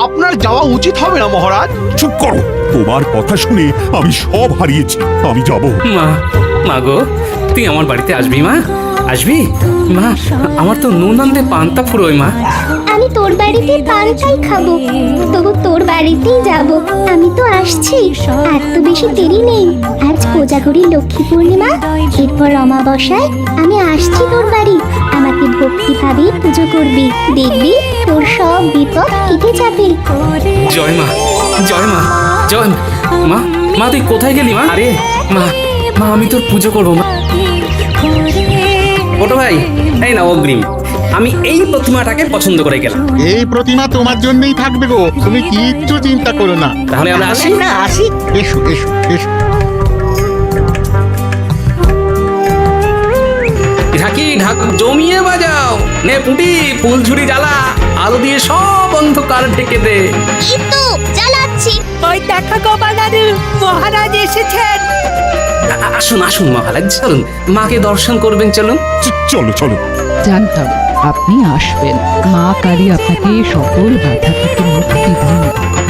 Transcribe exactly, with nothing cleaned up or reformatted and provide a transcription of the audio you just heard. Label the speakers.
Speaker 1: আপনার যাওয়া উচিত হবে না মহারাজ।
Speaker 2: চুপ করো, তোমার কথা শুনে আমি সব হারিয়েছি। আমি যাব।
Speaker 3: মা, মা গো, তুই আমার বাড়িতে আসবি মা? আসবি মা? আমার তো নুন আনতে পান্তা ফুরোয় মা।
Speaker 4: আমি তোর বাড়িতে পান্তাই খাবো, তবু তোর বাড়িতেই যাব। আমি তো আসছি, আর তো বেশি দেরি নেই। আজ কোজাগরী লক্ষ্মী পূর্ণিমা, এরপর অমাবস্যায় আমি আসছি তোর বাড়ি। আমাকে ভক্তিভাবে পুজো করবি, দেখবি তোর সব বিপদ কেটে যাবে।
Speaker 3: জয় মা, জয় মা, জয় মা। মা তুই কোথায় গেলি মা? আরে মা, মা আমি তোর পুজো করবো মা। ছোট ভাই, এই না অগ্রিম। আমি এই প্রতিমাটাকে পছন্দ করে গেলাম।
Speaker 5: এই প্রতিমা তোমার জন্যই থাকবে গো, তুমি কিচ্ছু চিন্তা করো না।
Speaker 3: তাহলে আমরা আসি।
Speaker 6: না আসি।
Speaker 5: এসো এসো এসো।
Speaker 3: ঢাকি ঢাক জমিয়ে বাজাও, নে পুঁটি ফুল ঝুড়ি জ্বালা, আলো দিয়ে সব অন্ধকার ঢেকে দে।
Speaker 4: এই তো চালাচ্ছি।
Speaker 6: ওই দেখা গোপাল দাদু, মহারাজ এসেছেন।
Speaker 3: আ- আ- আসুন আসুন মহারাজ, চলুন মাকে দর্শন করবেন, চলুন।
Speaker 2: চ- চলো চলো।
Speaker 7: জানতাম আপনি আসবেন। মা কালী আপনাকে সকল বাধা থেকে মুক্তি দিন।